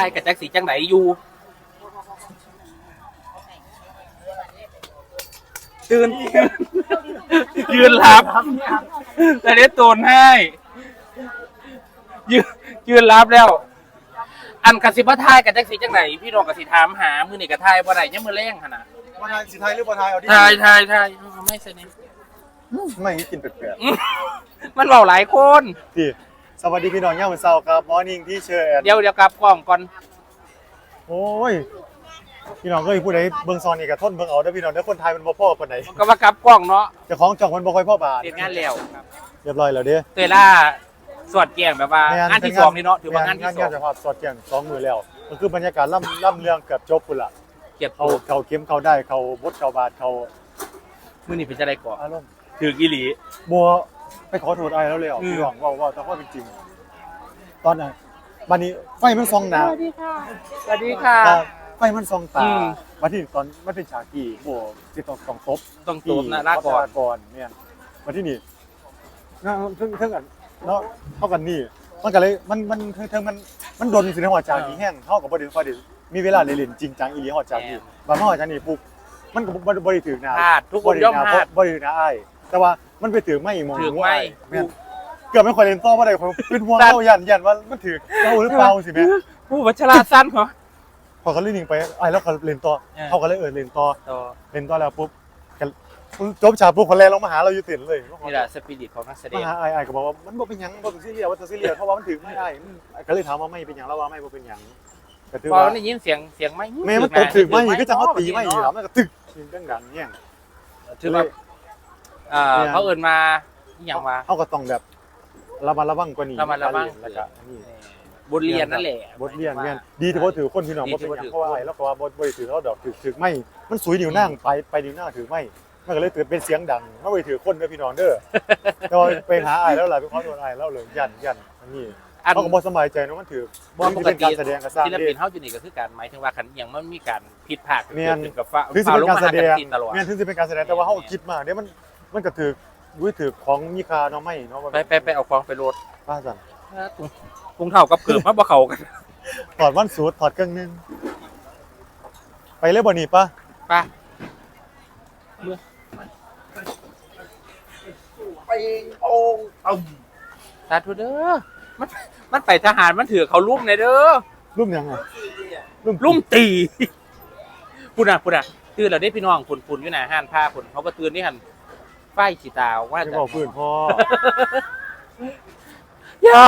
ายกับจักสีจังไหนอยู่ตื่นยืนรับแต่ได้โตนให้ยืนรับแล้วอันกสิบทายกับจักสีจังไหนพี่น้องกสิถามหามือนี่กับทายบ่ได้ยังมือแรงขนาดบ่ทายสิไทยหรือบ่ทายเอาดิทายไม่ใช่นี่ไม่กินแปลกๆมันเบาหลายคนดิสวัสดีพี่น้องย่ามมื้อเช้าครับมอร์นิ่งที่เชิญเดี๋ยวกลับกล้องก่อนโอ้ยพี่น้องก็ผู้ใดเบิ่งซอนนี่ก็ทนเบิ่งเอาเด้อพี่น้องเด้อคนไทยมันบ่พอปานใดก็ว่ากลับกล้องเนาะเจ้าของจ่องมันบ่ค่อยพอบาทเสร็จงานแล้วเรียบร้อยแล้วเด้อเตยล่าสวดแกงแบบว่างานที่2นี่เนาะถือว่างานที่2 งานเฉพาะสอดแกง2มื้อแล้วก็คือบรรยากาศล่ำเรื่องเกือบจบพุ่นล่ะเก็บเขาเข้มเขาได้เขาบดเขาบาดเขามื้อนี้เป็นจังได๋ก่ออารมณ์ถืออีหลีบ่ไปขอโทษอ้ายแล้วพี่น้องเว้าแต่ว่าเป็นจริงตอนนั้นบัดนี้ไฟมันส่องหน้าสวัสดีค่ะไฟมันส่องตาบัดนี้ตอนมันเป็นฉากที่โอ้สิต้องตบนะลาก่อนเนี่ยบัดนี้นี่เทิงกันเนาะเท่ากันนี่มันก็เลยมันดนสิในหัวใจนี่แห้งเฮาก็บ่ได้มีเวลาเล่นจริงจังอีหลีหัวใจนี่บางหัวใจนี่ปุ๊บมันก็บ่ได้ถึงหน้าทุกคนย่อมพลาดบ่ได้ถึงหน้าอ้ายแต่ว่ามันไปถึงไม่มองว่าแม่นเกือบไม่ค่อยเล่นต่อบ่ได้เป็นห่วงเฮายันว่ามันถึงเราหรือเปล่าสิแม่ผู้วัชราสั้นเหรอพอเขาเล่นนิ่งไปอ้ายแล้วก็เล่นต่อเฮาก็เลยเล่นต่อแล้วปุ๊บจบฉากปุ๊บคนแรกลงมาหาเราอยู่เต็นเลยนี่แหละสปิริตของนักแสดงไอ้ก็บอกว่ามันบ่เป็นหยังบ่เป็นซีเรียสว่าจะซีเรียสเพราะว่ามันถึงไม่ได้ก็เลยถามว่าไม่เป็นหยังแล้วว่าไม่บ่เป็นหยังก็ถือว่าได้ยินเสียงไม่แม่มันตกถึงไม่ก็จะเขาตีไม่แล้วมันก็ตึกดังๆเนี่ยถือว่าเขาเอิ้นมาอีหยังว่าเฮาก็ต้องแบบระมัดระวังกว่านี้ระมัดระวังแล้วก็นี่บทเรียนนั่นแหละบทเรียนแม่นดีที่บ่ถือคนพี่น้องบ่เป็นหยังเพราะว่าไอ้แล้วก็ว่าบ่ได้ถือเขาดอกถือไม่มันสุยนิ้วนางไปนิ้วหน้าถือไม่มันก็เลยตื่นเป็นเสียงดังไม่ไปถือคนเด้อพี่น้องเด้อแต่ว่าไปหาอ้ายแล้วล่ะไปขอโทษอ้ายแล้วเลยยันอันนี้เขาก็บ่สบายใจเนาะมันถือบ่เป็นการแสดงก็สร้างศิลปินเฮาอยู่นี่ก็คือการหมายถึงว่าคันอหยังมันมีการผิดพลาดเกิดขึ้นกับฟ้าลงมาหากันตลอดแม่นถึงสิเป็นการแสดงแต่ว่าเฮาคิดมากเด้มันก็ถือของมีค่าเนาะไม่เนาะไปเอาของไปโหลดป้าสั่นถุงเท้ากับเกือบมาบ่เข้ากันถอดวันสูทถอดเครื่องนึงไปเลยบ่นี่ป่ะป่ะไปองสาธุเด้อมันไปทหารมันถือเขาลุ่มในเด้อลุ่มยังไงลุ่มตีพุ่นอ่ะตื่นแล้วได้พี่น้องพุ่นอยู่หน้าห้านผ้าพุ่นเขาก็ตื่นนี่หั่นไฟสีตาว่าจะบอกพื้นพ่อย่า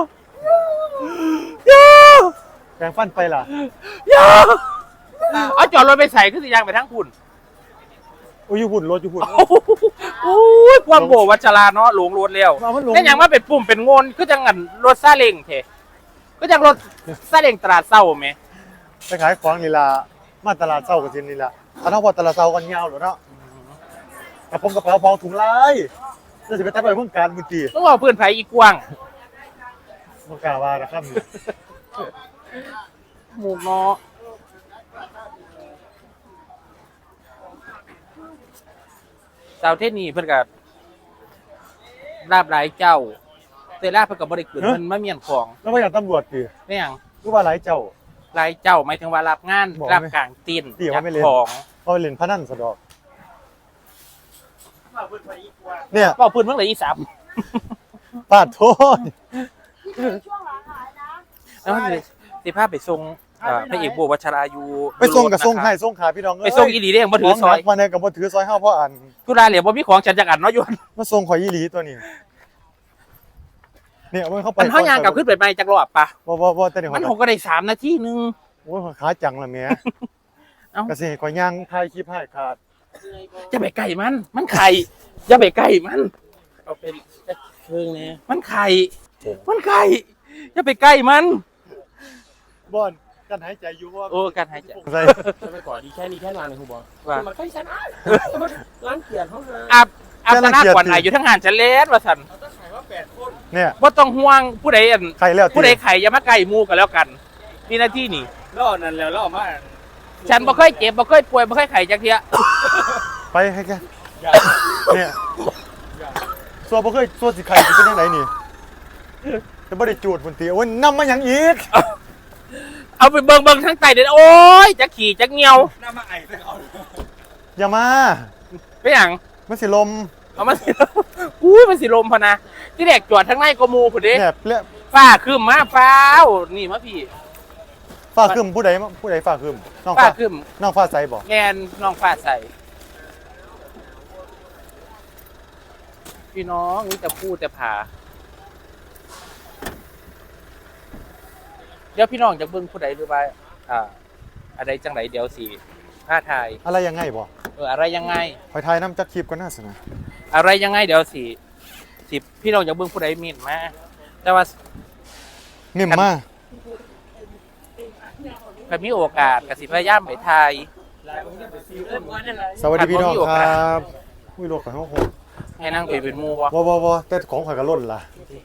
แปรงฟันไปล่ะอย่าเอาจอดรถไปใส่ขึ้นสิยางไปทั้งพุ่นโอ้ยหุ่นรถอยู่หุ่นโอ้ยความโบวัชราเนาะหลงรถเร็วนี่ยังว่าเป็นปุ่มเป็นงนก็จังงันรถซาเล้งเถก็จังรถซาเล้งตลาดเศร้าไหมไปขายของนี่ล่ะมาตลาดเศร้ากันทีนี่ล่ะถ้าเราบอกตลาดเศร้ากันยาวหรอเนาะกระป๋องพองถุงลายจะสิไปตั้งไปเพิ่งการมือตีต้องเอาเพื่อนไผ่อีกวางมึงกล่าวว่านะครับหมูเนาะสาวเทศนี่เพิ่นกับลาบหลายเจ้าเตล่าเพิ่นกับบริกรมันไม่เมียนของแล้วว่าอย่างตำรวจดิไม่อย่างรู้ว่าหลายเจ้าหมายถึงว่ารับงานรับกลางตีนของเขาเล่นพนันสะดอกเนี่ยเป่าปืนเมื่อไหร่อีสามปาดโทษช่วงหลังหายนะแล้วสิภาพไปทรงพระเอกโบวัชราอยู่ไปส่งกับส่งให้ส่งขาพี่น้องไปส่งอีหลีเด้บ่ถือซอยมาเนี่ยกับบ่ถือซอยเฮาเพราะอันทุราเหลียวบ่มีของฉันจักอันเนาะอยู่มาส่งข่อยอีหลีตัวนี้เนี่ยมันเข้าไปมันเฮายางกลับขึ้นไปใหม่จักรอบปะบ่แต่เดี๋ยวมัน6ก็ได้3นาทีนึงโอ้ยขาจังล่ะแม่ก็สิข่อยย่างถ่ายคลิปให้ขาดจะไปใกล้มันไข่อย่าไปใกล้มันเอาเป็นเพิ่งนี่มันไข่อย่าไปใกล้มันบ่อนการหายใจอยู่ว่าการหายใจจะไปก่อนดีแค่นี้แค่นานเลยคุณบอลมันใกล้ฉันร้านเกียรติเขาเลยอาบน้ำก่อนไหนอยู่ทั้งงานฉันเล่นว่าฉันเราต้องขายว่า8 คนเนี่ยว่าต้องห่วงผู้ใดผู้ใดไข่อย่ามาใกล้มูกันแล้วกันนี่หน้าที่นี่ล่อนั่นแล้วล่อมาฉันบ่เคยเจ็บบ่เคยป่วยบ่เคยไข่จักเทียไปให้แกเนี่ยตัวบ่เคยตัวสิไข่จะเป็นยังไงนี่จะบ่ได้จูดพุ่นตีโอ้ยนำมาหยังอีกเอาไปเบิ่งทั้งไตเดี๋ยวโอ๊ยจะขี่จะเงียวน้ำมาไอ้ไปเอาอย่ามาไปอย่างมันสิลมเอามันสิอุ้ยมันสิลมพะนะที่แรกจอดทั้งในกมูผุดดิเนี่ยเละฟ้าขึ้นมาฟ้าวนี่มาพี่ฟ้าครึมผู้ใดฟ้าครึมน้องฟ้าฟ้าขึ้นน้องฟ้าใสบ่แงนน้องฟ้าใสพี่น้องนี่จะพูดจะผ่าเดี๋ยวพี่น้องจะเบิ่งผู้ใดหรือว่าอะไรจังไหนเดี๋ยวสิผ้าไทยอะไรยังไงบ่อะไรยังไงคอยทายน้ำจักคลิปก็น่าสนะอะไรยังไงเดี๋ยวสิพี่น้องจะเบิ่งผู้ใดมีดมาแต่ว่านิ่มมากถ้ามีโอกาสกสิพยายามไปไทยสวัสดีพี่น้องมีโอคกาสรับอุ้ยโลกของโหให้นั่งไปเป็นหมูวะบ่แต่ของข่อยก็ล้นล่ะ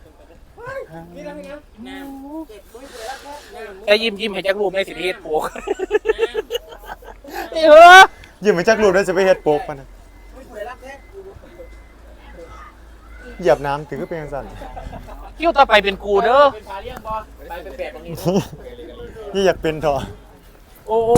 แต่ยิ้มให้จักรูปในสิเทศโปกอยิ้มไปจักรูปได้สิไปเฮ็ดโปกปะนะเหยียบน้ำถึงก็เป็นจังซั่นคิวต่อไปเป็นกูเด้อเป็นพาเลี้ยงบอไปเป็นแปดตรงนี้นี่อยากเป็นเถอะโอ้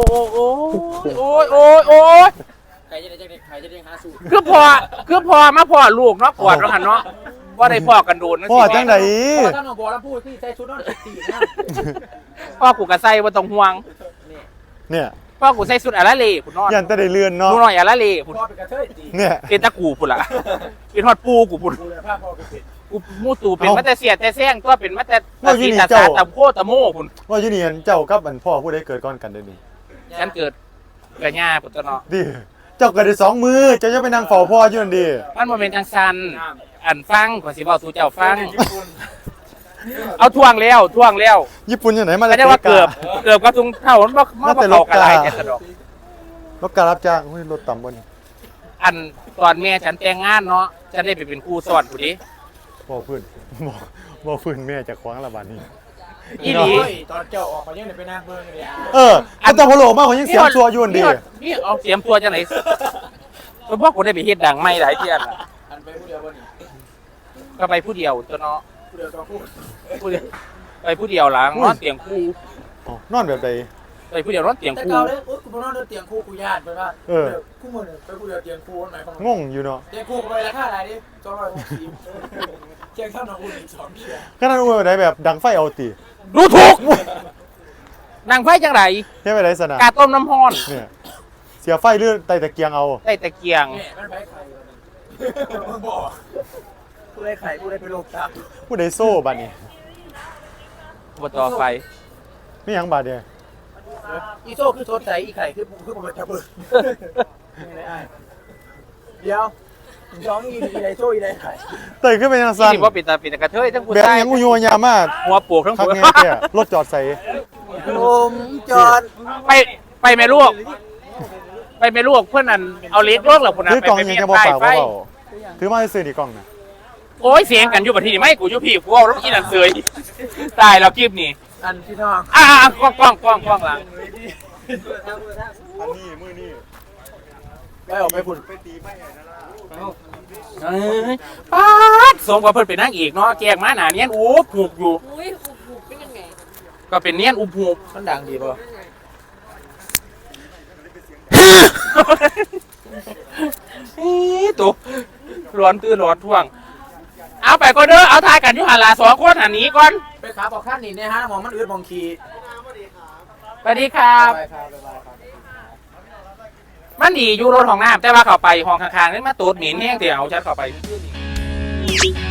ยใครจะได้ใครจะได้หาสูตรคือพอมาพ่อลูกเนาะปวดแล้วหันเนาะว่าได้พ่อกันโดนนั่นพ่อสิจังไดพอท่านบอกแล้วพูดที่ใส่ชุดนอนสีนะพ่อกูกะใส่บ่ต้องห่วงเนี่ยพ่อกูใส่สุดอะละเลพุ่นนอนยันแต่ได้เลื่อนเนาะดูหน่อยอะละเลพุ่นพ่อเป็นกระเทยตีเนี่ยเป็นตะกูพุ่นล่ะเป็นฮอดปูกูพุ่นดูแลผ้าพ่อเป็นเป็ดกูมูตูเป็นมาแต่เสียแต่แซงตัวเป็นมาแต่ว่าอยู่นี่ตาเจ้าตะโคตะโม่พุ่นว่าอยู่นี่อันเจ้ากับอันพ่อผู้ใดเกิดก่อนกันเด้อนี่ฉันเกิดกะย่าพุ่นตัวเนาะดิเจ้าเกิดได้2 มือเจ้าจะไปนั่งเฝ้าพ่ออยู่นั่นดิมันบ่เป็นจังซันอันฟังขอยสิเว้าสู่เจ้าฟัง เอาท่วงแล้วญี่ปุ่นอยู่ไหนมาก็ได้ว่าเกือบก็ทุงเท่ามันบ่มาบ่เข้ากันหลายแต่สะดอกรถการรับจ้างเฮ้ยรถต่ำบ่นี่อันตอนแม่ฉันแต่งงานเนาะจะได้ไปเป็นครูสอนผู้ดิบ่พื้นบ่พื้นแม่จะคว้างละบาดนี้อีหลีตอนเจ้าออกมายังไปนั่งเบิ้งเลยอันตะพโลมากกว่ายังเสียงชัวอยู่นั่นดินี่เอาเสียมตัวจังไหนเพิ่นบอกกูได้ไปเฮ็ดดังไม่หลายเที่ยล่ะอันไปผู้เดียววันนี้ก็ไปผู้เดียวตัวเนาะผู้เดียวต้องพูดผู้เดียวไปผู้เดียวหลังนอนเตียงคู่อ๋อนอนแบบใดไปผู้เดียวนอนเตียงแต่คู่เก่าเลยโอ๊ยกูนอนเตียงคู่กูญาติไปว่าคู่มือไปผู้เดียวเตียงคู่หมายความงงอยู่เนาะเตียงคู่ไปราคาอะไรดิ260เชียงข้าวหนองอุ่นอีก2เชียงขนาดว่าแบบใดแบบดังไฟเอาติดูถูกนางไฟจังไรเฮ็ดไปได้สนะกาต้มน้ำฮ้อนเนี่ยเสียไฟเลื่อนไต่ตะเกียงเอาได้ตะเกียงแม่มันไปไข่มึงบอกผู้ได้ไข่ผู้ได้ไปโลกตามผู้ใดโซ่บัดนี้อบตไฟมีหยังบาดเนี่ยอีโซ่คือโทษใจอีไข่คือผมเป็นตะเบิดเดี๋ยวย้องอีไรโซ่อีไรไข่เตยขึ้นไปทางที่สั้นนี่ว่าปิดตาปิดตากระเทยทั้งผู้แบบชายหยังอุโยยามากหัวปลูกทั้งคักหัวแน่แท้รถจอดใส่ผมจอดไปแม่ลูกไปแม่ลูกเพื่อนนั่นเอาเล็กลวกหรอคุณนะถือกล่องไปยังเมียจะบ่ใต้ปากไฟบ่เบาถือมาซื้อนี่กล่องน่ะโอ้ยเสียงกันอยู่บัดทีนี่ไม่กูอยู่พี่กูเอารถอีนั่นเสยตายแล้วคลิปนี้อันพี่น้องกล้องหลังอันนี้มือนี่ไปออกไปฝุ่นไปตีไม้นั่นล่ะป๊าดสมกับเพิ่นเป็นนางเอกเนาะแกงมาหนาเนียนอูบหูบอยู่อุ้ยหูเป็นยังไงก็เป็นเนียนอูบหูบมันดังดีป่ะตุ๊ร้อนตื้อร้อนท่วง เอาไปก่อนเด้อเอาทายกันอยู่หันละ2 คนหันนี้ก่อนไปขาบอกขั้นนี่เนี่ยฮะมองมันอืดมองขีสวัสดีครับไปครับไปครับมันดีอยู่รถห้องน้ำแต่ว่าเข้าไปห้องข้างๆนี่มาตูดหมิ่นแห้งเดี๋ยวฉันเข้าไปเ